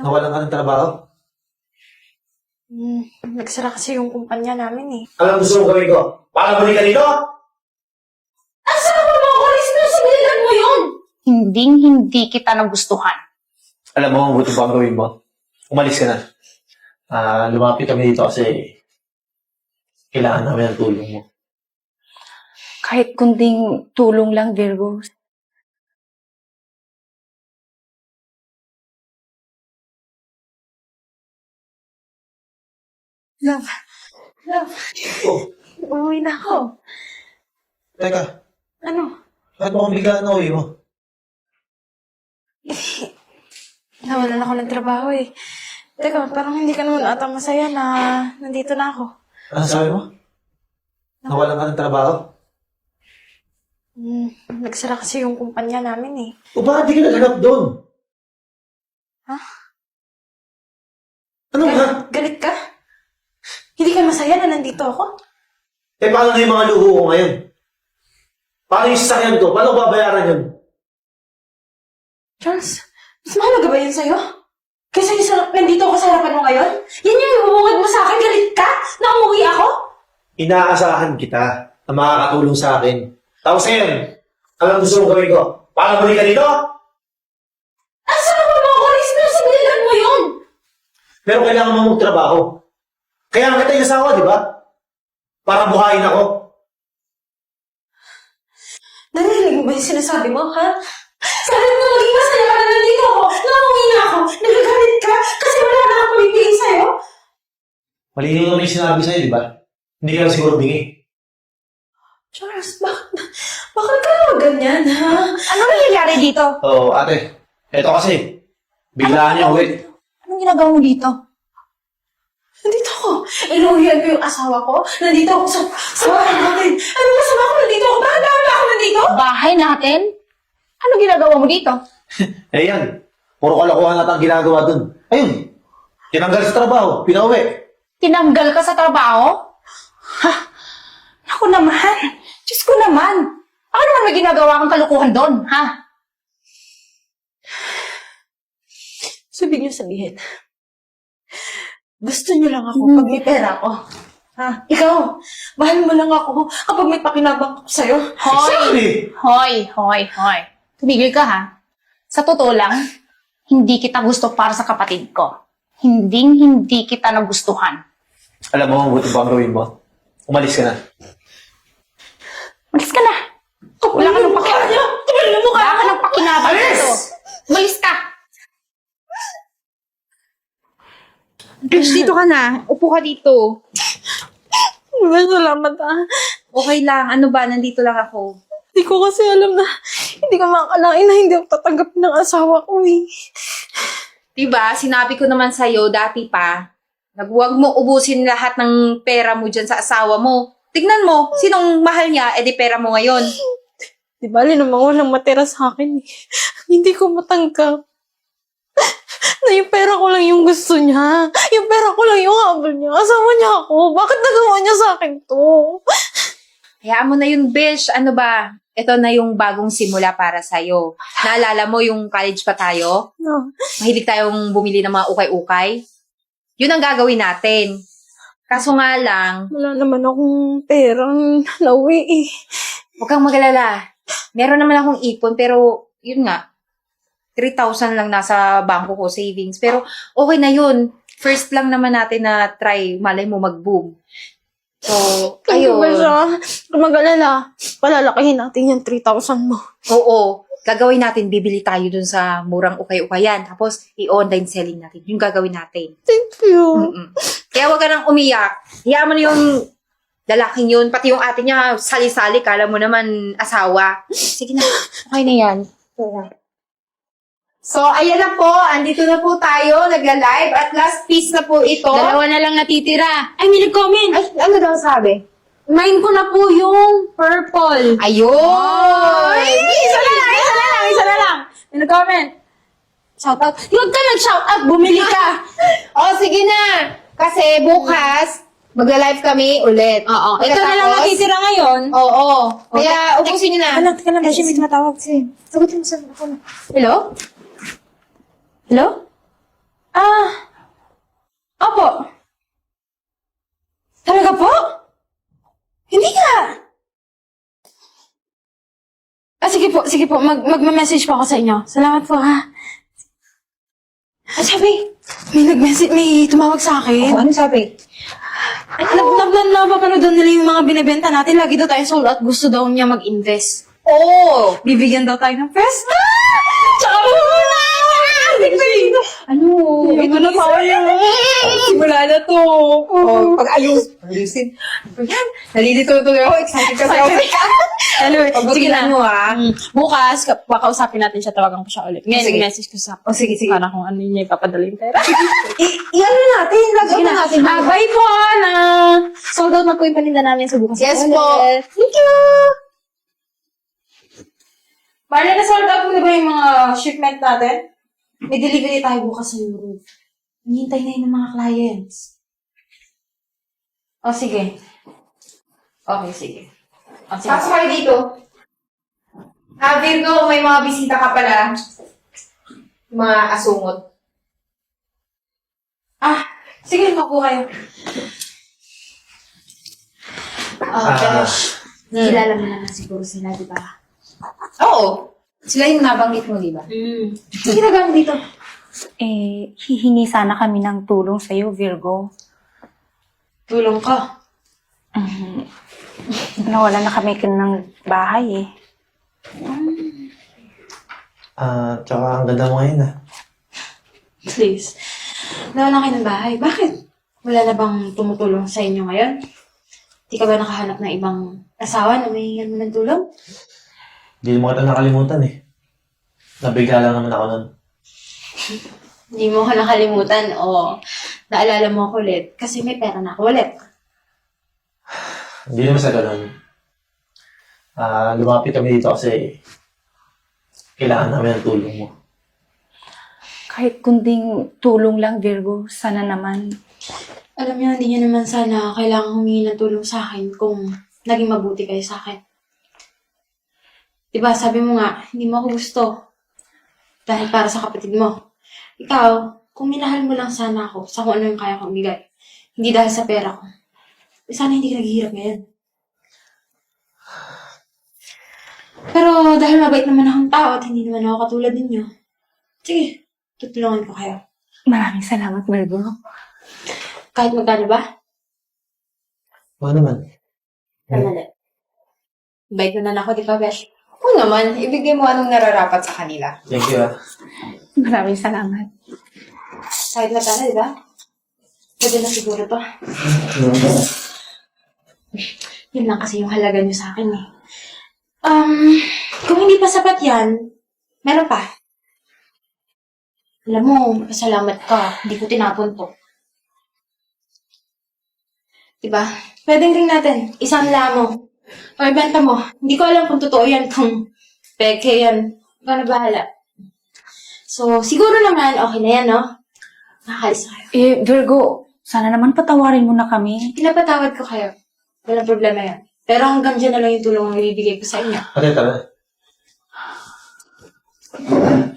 Nawalan ka ng trabaho? Nagsara kasi yung kumpanya namin eh. Alam gusto mo gawin ko? Para balik ka dito? Asa mo mo ako? Responsibilidad mo yun! Hindi kita nagustuhan. Alam mo, ang buti pa ang gawin mo. Umalis ka na. Lumapit kami dito kasi kailangan namin ng tulong mo. Kahit kunding tulong lang, Virgo. Love. Oh, Uuwi na ako. teka. Ano? Bakit mo kung biglaan na uwi mo? Nawalan ako ng trabaho eh. Teka, parang hindi ka naman ata masaya na nandito na ako. Ano sabi mo? Nawalan ka ng trabaho? Nagsara kasi yung kumpanya namin eh. O bakit di ka naganap doon? Ha? Ano nga? Galit ka? Hindi ka masaya na nandito ako? Eh paano na yung mga luho ko ngayon? Paano yung sasakyan ko? Paano babayaran yun? Charles, mas mahalaga ba yun sa'yo? Kaysa yung nandito ako sa harapan mo ngayon? Yan yung ibubungad mo sa akin? Galit ka? Na umuwi ako? Inaasahan kita na makakatulong sa akin. Tapos ngayon, alam gusto mong gawin ko? Para balik ka dito? Asa ka ba mo ako? Responsibilidad mo yun! Pero kailangan mo magtrabaho. Kaya nga kita inasawa, di ba? Para buhayin ako. Narinig mo ba yung sinasabi mo, ha? Sabi mo maging masaya ka na nandito ako, namuwi na ako, nagagalit ka, kasi wala na akong pumipigil sa'yo. Malinaw naman yung sinabi sa'yo, di ba? Hindi ka lang siguro bingi. Charles, bakit ka naman ganyan, ha? Ano nangyayari dito? Oo, ate. Eto kasi. Biglaan niya uwi. Anong ginagawa mo dito? Nandito ako. Inuwihan ko yung asawa ko. Nandito ako sa bahay natin. Ano masama ko nandito ako? Bakit dapat ako nandito? Bahay natin? Ano ginagawa mo dito? Eh yan. Puro kalokohan natin ang ginagawa dun. Ayun. Tinanggal sa trabaho. Pinauwi. Tinanggal ka sa trabaho? Ha? Naku naman. Diyos ko naman. Ano naman may ginagawa kang kalukuhan doon, ha? Sabi niyo sabihin. Gusto niyo lang ako pag may pera ako. Ha? Ikaw, mahal mo lang ako kapag may pakinabang ako sa'yo. Exactly. Hoy. Tumigil ka, ha? Sa totoo lang, hindi kita gusto para sa kapatid ko. Hindi kita nagustuhan. Alam mo, ang buti pa ang gawin mo. Umalis ka na. Umalis ka na. Wala ka nang pakinabang. Wala ka nang pakinabang Alis! dito. Umalis ka. Bish, dito ka na. Upo ka dito. Salamat ah. Okay lang. Ano ba? Nandito lang ako. Hindi ko kasi alam na hindi ko makakalain na hindi ako tatanggap ng asawa ko eh. Diba? Sinabi ko naman sa'yo dati pa, nagwag mo ubusin lahat ng pera mo dyan sa asawa mo. Tignan mo, sinong mahal niya, edi pera mo ngayon. Di bali namang walang matira sa akin eh. Hindi ko matanggap. Na yung pera ko lang yung gusto niya. Yung pera ko lang yung habol niya. Asawa niya ako. Bakit nagawa niya sa akin to? Hayaan mo na yun, Bish. Ano ba? Ito na yung bagong simula para sa'yo. Naalala mo yung college pa tayo? No. Mahilig tayong bumili ng mga ukay-ukay? Yun ang gagawin natin. Kaso nga lang, Wala naman akong perang nauwi eh. huwag kang magalala. Meron naman akong ipon, pero yun nga, 3,000 lang nasa bangko ko, savings. Pero okay na yun. First lang naman natin na try, malay mo mag-boom. So, Ayun. Ba ayun. siya? Kung mag-alala, palalakihin natin yung 3,000 mo. Oo. Gagawin natin, bibili tayo dun sa murang ukay-ukayan. Tapos, i-online selling natin. Yung gagawin natin. Thank you. Kaya huwag ka nang umiyak. Hiyaan mo na yung lalaking yun. Pati yung ate niya, sali-sali. Kala mo naman asawa. Sige na. Okay na yan. So, ayan na po. Andito na po tayo. Nagla-live. At last piece na po ito. Dalawa na lang natitira. Ay, may nag-comment. Ay, ano daw sabi? Mine ko na po yung purple. Ayun! Isa na lang. May nag-comment. Shoutout. Huwag ka nag-shoutout. Bumili ka. O, sige na. Kasi bukas, magla-live kami ulit. Oo. Ito na lang Pagkatapos- natitira ngayon. Oo. Kaya, ubusin nyo na. Teka lang. Kasi may tumatawag. Sagutin mo sa ako na. Hello? Hello? Opo. Talaga po? Hindi nga. Sige po. Magme-message po ako sa inyo. Salamat po, ha? Sabi, may tumawag sa akin. Ano sabi? Napapanood daw nila yung mga binibenta natin. Lagi daw tayo sold out. Gusto daw niya mag-invest. Oo! Bibigyan daw tayo ng pesta. Tsaka muna! Ano? Ito na tayo. Simula na to. Oh, ayusin. Ayan, nalilito ako. Excited kasi ako. Anyway, sige na. Mo, ha? Bukas, kakausapin natin siya. Tawagan ko siya ulit. Ngayon, Sige. message ko sa Oh, sige. para kung ano niya ipapadala yung pera. Iyan na natin. Lagyan na natin. Bye po, na. Sold out na po yung paninda namin sa bukas. Yes ulit. po. Thank you. Marla, na-sold out mo na ba yung mga shipment natin? May delivery tayo bukas sa Europe. Hinihintay na yun ng mga clients. O, sige. Okay, sige. O, sige. Pasok kayo dito. Virgo, may mga bisita ka pala. Mga asungot. Sige, makuha kayo. Ah, Kilala mo naman siguro sila, di ba? Oo. Sila yung nabanggit mo, di ba? Sige na gang dito. Hihingi sana kami ng tulong sa'yo, Virgo. Tulong ka. Nawala na kami ng bahay eh. Tsaka ang ganda mo ngayon, ah. Please. Nawala kayo ng bahay. Bakit? Wala na bang tumutulong sa inyo ngayon? Di ka ba nakahanap ng ibang asawa na may mo ng tulong? Hindi mo kita nakalimutan, eh. Nabigla lang naman ako nun. Hindi mo ko nakalimutan o naalala mo ako ulit kasi may pera na ako ulit. Hindi naman sa ganun. Lumapit kami dito kasi kailangan namin ng tulong mo. Kahit kunding tulong lang, Virgo, sana naman. Alam niyo, hindi niyo naman sana kailangan humingi ng tulong sa akin kung naging mabuti kayo sa akin. Diba, sabi mo nga, hindi mo ako gusto. Dahil para sa kapatid mo. Ikaw, kung minahal mo lang sana ako sa kung ano yung kaya kong bigay, hindi dahil sa pera ko, sana hindi ka naghihirap ngayon. Pero dahil mabait naman akong tao at hindi naman ako katulad ninyo, sige, tutulungan ko kayo. Maraming salamat, Virgo. Kahit magkano ba? Oo naman. Kamali. Bait mo na ako, di ba, Besh? Oo naman. Ibigay mo anong nararapat sa kanila. Thank you, ah. Maraming salamat. Kahit magkano, di ba? Pwede na siguro to. Yun lang kasi yung halaga niyo sa akin eh. Kung hindi pa sapat yan, meron pa. Alam mo, pasalamat ka. Hindi ko tinapon to. Diba? Pwedeng ring natin. Isang lamo. O ibenta mo. Hindi ko alam kung totoo yan, kung peke yan. Ikaw na bahala. So, siguro naman, okay na yan, no? Nakakalis na kayo. Virgo, sana naman patawarin mo na kami. Pinapatawad ko kayo. Walang problema yan. Pero hanggang dyan na lang yung tulong ang ibibigay ko sa inyo. Ate, tara.